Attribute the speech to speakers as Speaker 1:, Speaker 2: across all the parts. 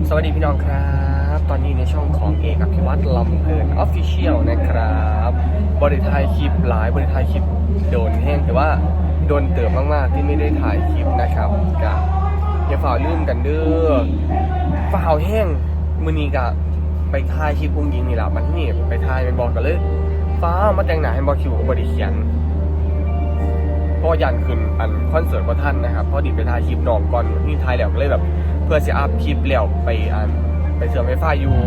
Speaker 1: สวัสดีพี่น้องครับตอนนี้ในช่องของเอกอภิวัตรลำเพลิน Official นะครับบริถ่ายคลิปหลายบริถ่ายคลิปโดนแห้งแต่ว่าโดนเติบมากๆที่ไม่ได้ถ่ายคลิปนะครับกับอย่าฝ่าลืมกันเด้อฝ่าวแห้งมือนี้กับไปถ่ายคลิปอุ้งยิงนี่แหละมันที่นี่ไปถ่ายเป็นบอกกันเลยฟ้ามาแต่งหน้าให้บอกคิวบริเขียนก็ยันขึ้นอันคอนเสิร์ตของท่านนะครับพอดีไปถ่ายคลิปน้องก่อนนี่ถ่ายแล้วก็เลยแบบเพื่อจะอัพคลิปแล้วไปเสริมไฟฟ้าอยู่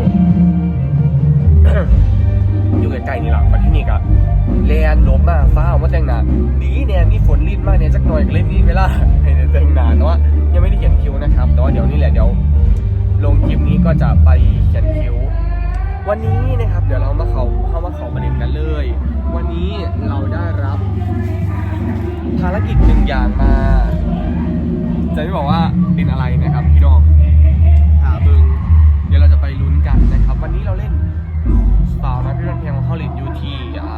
Speaker 1: อยู่ใกล้ๆนี่แหละมาที่นี่ก็แลนลบมาฟ้าออกมาแต่งหน้าดีเนี่ยมีฝนลิ้นมากเนี่ยจักหน่อยก็เลยมีเวลาให้แต่งหน้าแต่ว่ายังไม่ได้เขียนคิวนะครับแต่ว่าเดี๋ยวนี้แหละเดี๋ยวลงคลิปนี้ก็จะไปเขียนคิววันนี้นะครับเดี๋ยวเราเข้ามาเขาประเด็นกันเลยวันนี้เราได้รับภารกิจหนึ่งอย่างมาจะไม่บอกว่าเป็นอะไรนะครับพี่น้องหาบึงเดี๋ยวเราจะไปลุ้นกันนะครับวันนี้เราเล่นสาวนะพี่รันเพียงของเขาเล่นอยู่ที่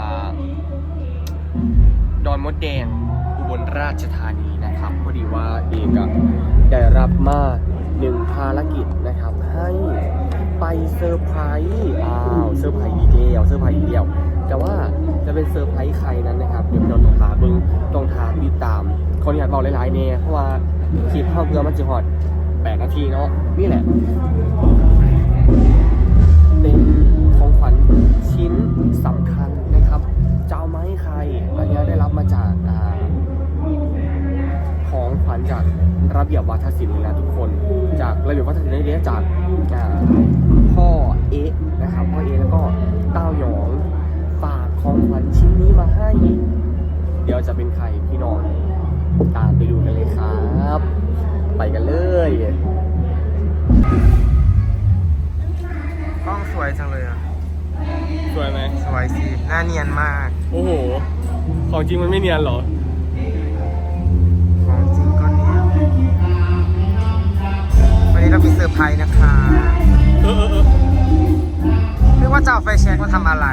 Speaker 1: ดอนมดแดงอุบลราชธานีนะครับพอดีว่าเอกได้รับมา1ภารกิจนะครับให้ไปเซอร์ไพรส์เซอร์ไพรส์อีกแล้วแต่ว่าจะเป็นเซอร์ไพรส์ใครนั้นนะครับเดี๋ยวเราต้องหาบึงต้องหาติดตามคนอยากบอกหลายๆเนี่ยเพราะว่าคลิปเข้าเพื่อมันจะฮอด8 นาทีเนาะนี่แหละเป็นของขวัญชิ้นสำคัญนะครับจะเอามาให้ใครอันนี้ได้รับมาจากของขวัญจากระเบียบวัฒนศิลป์นะทุกคนจากระเบียบวัฒนศิลป์ได้จากพ่อเอ๊ะนะครับพ่อเอ๊ะแล้วก็เต้าหยองฝากของขวัญชิ้นนี้มาให้เดี๋ยวจะเป็นใครพี่น้องตามไปดูกันเลยครับไปกันเลย
Speaker 2: กล้องสวยจังเลยอ่ะ
Speaker 1: สวยไหม
Speaker 2: สวยสิหน้าเนียนมาก
Speaker 1: โอ้โหของจริงมันไม่เนียนหรอ
Speaker 2: ของจริงก็เนียนวันนี้เรามีเซอร์ไพรส์นะคะนึกว่าจะเอาไฟแช็กมาทำอะไร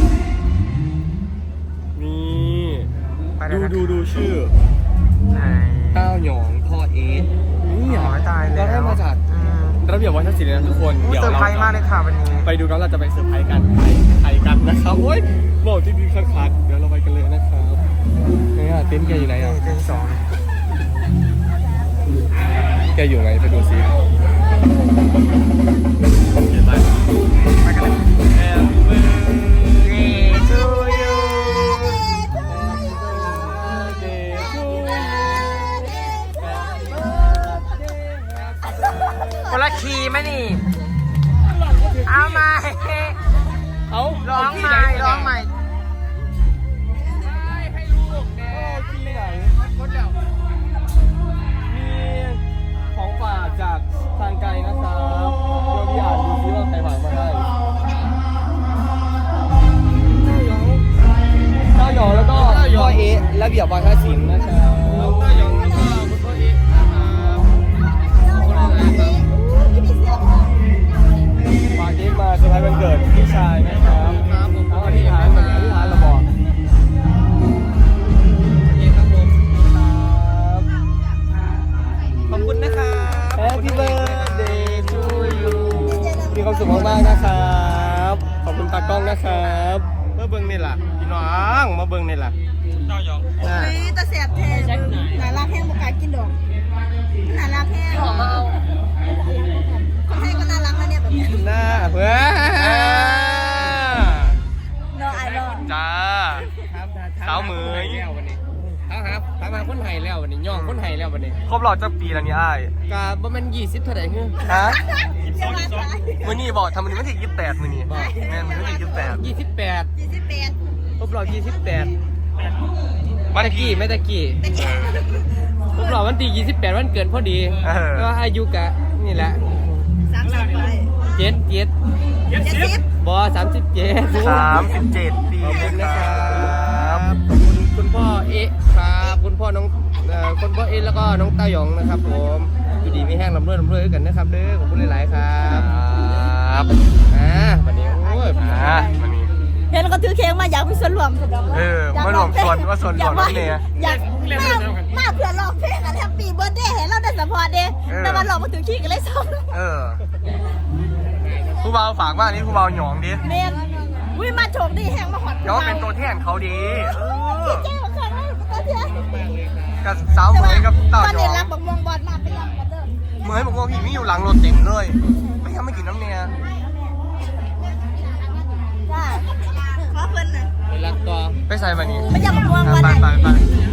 Speaker 1: นี่ดูชื่อ
Speaker 2: ไหน
Speaker 1: เต้าหยองพ่อเอ๊ะนี่
Speaker 2: อ๋อตายแล้ว
Speaker 1: เราได้มาจากระเบียบวัฒนศิลป์นะทุกคน
Speaker 2: เดี๋ยวเราเซอร์ไพรส์มากเลยค่ะวันนี้
Speaker 1: ไปดูกันเราจะไปเซอร์ไพรส์กันไทยกันนะครับโอ้ยบอกที่ดีคักๆเดี๋ยวเราไปกันเลยนะครับเนี่ยเต็นท์แกอยู่ไหนอ่ะ
Speaker 2: เต็นท์2
Speaker 1: แกอยู่ไหนไปดูซิเห็นไหม
Speaker 2: ไปกันเลย Happy birthday to you คนละคีย์ไหมนี่เอาใหม่ร้องใหม่
Speaker 1: ให้ลูกแน่ที่ไหนคนเดียวมีของฝากจากทางไกลนะครับเดี๋ยวพี่อ่านดูซิว่าใครฝากมาให้เต้าหยองแล้วก็พ่อเอ๊ะระเบียบวัฒนศิลป์นะครับเต้าหยองแล้วก็พ่อเอ๊ะนะครับฝากเอ๊ะมาเซอร์ไพรส์วันเกิดพี่ชายนะครับเอาอธิษฐานเราบอก
Speaker 2: ขอบคุณนะครับ
Speaker 1: Happy birthday to you มีความสุขมากๆนะครับขอบคุณตากล้องนะครับ
Speaker 2: มาเบิ้งนี่ล่ะพี่น้องมาเบิ้งนี่ล่ะเต้าหยอง
Speaker 3: ตะเสียบแทนหนาลาแห้งบุกากินดอกหนาลาแห้งหอมเอาคนให้ก็น่ารักนะเนี่ยแบบนี้
Speaker 2: หน้าเพื่อ
Speaker 3: เนาะไอ้เนาะ
Speaker 2: จ้าสาวมือแล้ววันนี้ถามหาคนไทยแล้ววันนี้ย่องคนไทยแล้ววันนี้
Speaker 1: ครบรอบจักปีแล้วนี่อ้าย
Speaker 2: กะบ่แม่น20เท่าใดคือ
Speaker 1: ฮะ
Speaker 3: มื้
Speaker 1: อนี้บอกทำมื้อนี้วันที่28มื้อนี้บอกแม่นมื้อวันที่
Speaker 2: 28ครบรอบ28
Speaker 1: วัน
Speaker 2: ตะกี้ไม่ตะกี้ครบรอบวันที่28วันเกิดพอดีก็อายุกะนี่แหละ
Speaker 3: 30ไป
Speaker 2: 70บ่37ปี
Speaker 1: นะครับ
Speaker 2: คุณพ่อเอ๊ะครับคุณพ่อน้องคุณพ่อเอ๊ะแล้วก็น้องเต้าหยองนะครับผมอยู่ดีไม่แห้งลำเลื่อยกันนะครับเด้อขอบคุณหลายๆครับวันนี้โอ้ย
Speaker 1: วันนี้
Speaker 3: เห็นก็ถือเค้กมาอยากไปส่วนรวม
Speaker 1: มารวมส่วนว่าส่วนรวมนี่
Speaker 3: อยากมาเพื่อร้องเพลงกันแฮปปี้เบิร์ธเดย์เห็นเราได้สปอร์ตเดย์แต่วันร้องมาถือขี้กันเลยซ้อม
Speaker 1: ผู้บ่าวฝากมานี่ผู้บ่าวหยองดิ
Speaker 3: เมนวิมาโชคดีแห้งมาหอด
Speaker 1: เดี๋ยวเป็นตัวแทนเขาดี
Speaker 3: เจ๊มาเคยเลยตัวเจ๊
Speaker 1: กับสาวเหมยกับเต่า
Speaker 3: ตอน
Speaker 1: หย
Speaker 3: นี้
Speaker 1: อง
Speaker 3: รักบักม่วงบอลมาเป็นรักกันเด้อ
Speaker 1: เหมยบอกว่าพี่ไม่อยู่หลังรถติ่มเลยไม่ทำไม่กินน้ำเนี่ย
Speaker 3: จ้าขอเพิ่นน่ะ
Speaker 2: ไปรักต่อ
Speaker 1: ไปใส่แบบนี้
Speaker 3: ไม่อยากบักม่วงบอล
Speaker 1: ไป
Speaker 3: ไหน
Speaker 1: ไป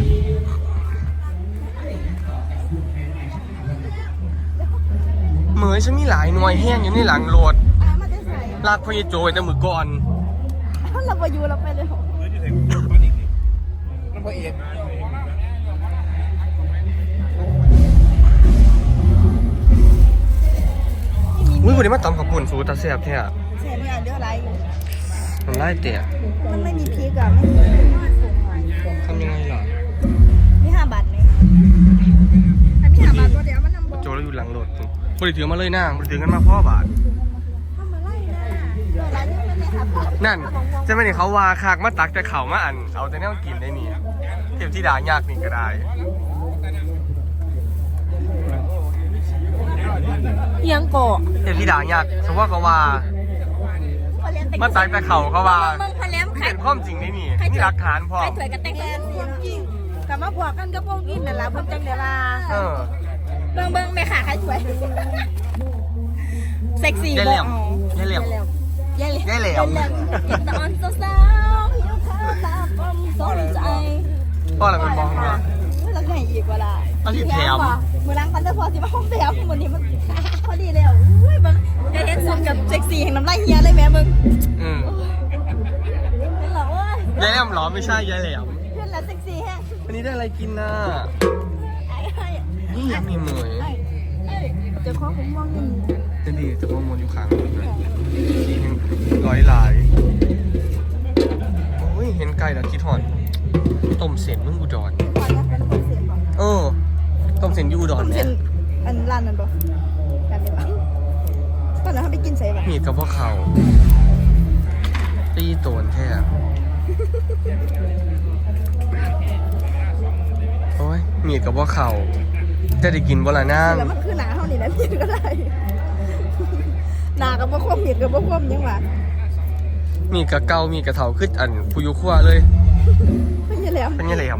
Speaker 1: เหมยฉันมีหลายหน่วยแห้งอยู่ในหลังรถ
Speaker 3: มาได้ใส่
Speaker 1: ลากพยโจไว้แต่มือก่อน
Speaker 3: เราไปอยู่เราไปเลย
Speaker 2: น้ำพระเอก
Speaker 1: อุ้ยวันนี้มาตำขับปุ่นสูตรตาแซ่บแท้อะ
Speaker 3: เสียไม่เอาเดืออะไรอยู่
Speaker 1: มันไล่เตะ
Speaker 3: มันไม่มีพริกอะไม่มีส่ง
Speaker 1: ทำยังไงล่ะ
Speaker 3: มี5 บาทไหมถ้ามี5 บาทก็เดี๋ยวมันนำบอก
Speaker 1: โจเราอยู่หลังรถบริถือมาเลยนางบริถือกันมาพ่อบาท
Speaker 3: ทำอะไรนะเดี๋ยวร้านนี้มันไม่ครับ
Speaker 1: นั่นจะไม่ได้เขาว่าคากมาตักแต่เขามาอันเอาแต่แนวกินได้นี่เทพที่ด่ายากนี่ก็ได้
Speaker 3: ยังโกะ
Speaker 1: เทพที่ด่ายากสมมติว่าเขาว่ามาตักแต่เขาเขาว่า
Speaker 3: มึงพะแลม
Speaker 1: ที่
Speaker 3: ไข่
Speaker 1: เป็นความจริงได้นี่นี่หลักฐานพ่อ
Speaker 3: ไข่ถวยกับแตงกันจริงกับมาพวกกันก็พวกกินนั่นแหละเพิ่นจังเดี๋ยวล่ะ
Speaker 1: เออ
Speaker 3: เบิ่งแม่ขาไข่ถวยเซ็กซี่
Speaker 1: ยายเหลี่ยมยายเหลี่ยม
Speaker 3: ยายเหลี่ยม
Speaker 1: ยายเหลี่ยม
Speaker 3: ตอนสาวๆหิวข้าวตาฟอมสนใจ
Speaker 1: พ่ออะไรเป็นมองเนี่ย
Speaker 3: แล้วไงอีกเวลา
Speaker 1: เอาสิแถม
Speaker 3: มือล้างปันเตอร์พอสิมาห้องแถมวันนี้มันพอดีแล้วอุ้ยเบิ่งจะเห็นสมกับเซ็กซี่แห่งน้ำลายเฮียเลยแม่มึง
Speaker 1: อืม
Speaker 3: เป็นเหรอเว้ย
Speaker 1: ยายแหลมเหรอไม่ใช่ยายแหลม
Speaker 3: เพื่อนแล้วเซ็กซี่แฮง
Speaker 1: วันนี้ได้อะไรกินน่ะ
Speaker 3: ไอ้ไอ้
Speaker 1: นี่ยังมีเหมย
Speaker 3: ไอ้เจะคล้าของม่วงนี่
Speaker 1: จะดีจะมวนอยู่ข้างรถเลยร้อยหลายโอ้ยเห็นไก่แล้วคิดหอนต้มเส้นมึงอุดร
Speaker 3: ก่อนนะเป็นคนเสียก่อน
Speaker 1: เออต้มเส้นอยูอุดร
Speaker 3: ผม
Speaker 1: แม่
Speaker 3: เป็นอันร้านนั้นบ่กันได้ปะตอนนั้นเขาไปกินใส่ปะ
Speaker 1: มีดกับพวกเขาตีโตนแท้โอ้ยมีดกับพวกเขาจะได้กินบ่ละนั่ง
Speaker 3: แล้วมันคือหนาเท่านี้นะพี่ก็ได้หนากับบ่ควบมีดกับบ่ควบยังวะ
Speaker 1: มีดกับเกามีดกับเถาขึ้นอันผู้ยุขั้วเลย
Speaker 3: ไม่ใช่แล้ว
Speaker 1: เป็นยังไงครับ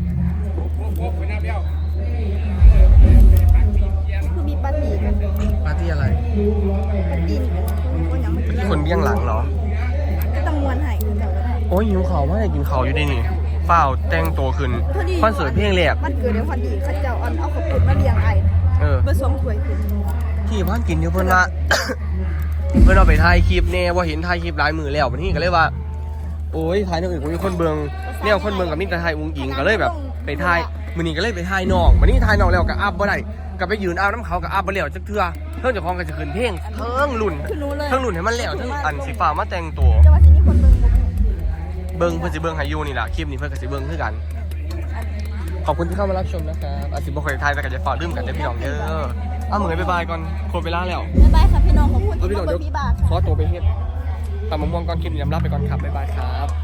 Speaker 3: คือมีปาร์ตี้กัน
Speaker 1: ปาร์ตี้อะไร
Speaker 3: ปาร์ตี้กันคนยังไม่กิน
Speaker 1: คนเบี้ยงหลังเหรอ
Speaker 3: ก็ต้องมวนให้คือแบบว่า
Speaker 1: โอ้ยหิวเขาว่าจะกินเขาอยู่ดีนี่เปล่าแต่งตัวขึ้นคอนเสิร์ตเพลงแรก
Speaker 3: มันเกิดเดี๋ยวพอดีเขาเจ้าเอาขอบคุณมาเลี้ยงไอ้
Speaker 1: เออ
Speaker 3: เบอร์สองถ้วยขึ้น
Speaker 1: ที่บ้านกินอยู่เพิ่นว่า เพิ่นเอาไปถ่ายคลิปแน่ว่าเห็นถ่ายคลิปหลายมือแล้ววันนี้ก็เลยว่า โอ้ยถ่ายนอกอื่นผมมีคนเบิ่งแนวคนเบิ่งกับมิตรถ่ายอุ้งอิงก็เลยแบบไปถ่ายมื้อนี้ก็เลยไปถ่ายน้องมื้อนี้ถ่ายน้องแล้วก็อัพบ่ได้ก็ไปยืนอัพน้ำเขาก็อัพบ่แล้วจักเทื่อเพิ่นเจ้าของก็จะขึ้นเพลงเทิงรุ่น
Speaker 3: คือรู้เลย
Speaker 1: เทิงรุ่นให้มันแล้วเทิงอันสีฟ้ามาแต่งตัว
Speaker 3: จะว่าที่นี่คนเบิ่งบ่
Speaker 1: เบิ่งเพิ่นสิเบิ่งให้อยู่นี่ล่ะคลิปนี้เพิ่นก็สิเบิ่งคือกัน ขอบคุณที่เข้ามารับชมนะครับอาจสิบ่ค่อยถ่ายแต่ก็จะฝากดื่มกันเด้อพี่น้องเด้อเอาเหมือนบ๊ายบายก่อนโคตรเวลาแล้ว
Speaker 3: บ๊ายบายค่ะพี่น้องขอบคุณ
Speaker 1: เอา
Speaker 3: ที่
Speaker 1: พี่น้อง
Speaker 3: มา
Speaker 1: เดี๋
Speaker 3: เบิ่
Speaker 1: ยว
Speaker 3: งพี่บาท
Speaker 1: ขอตัวไปเฮ็ดตำมะม่วงก่อนคลิปนี้ยำลาไปก่อนครับบ๊ายบายครับ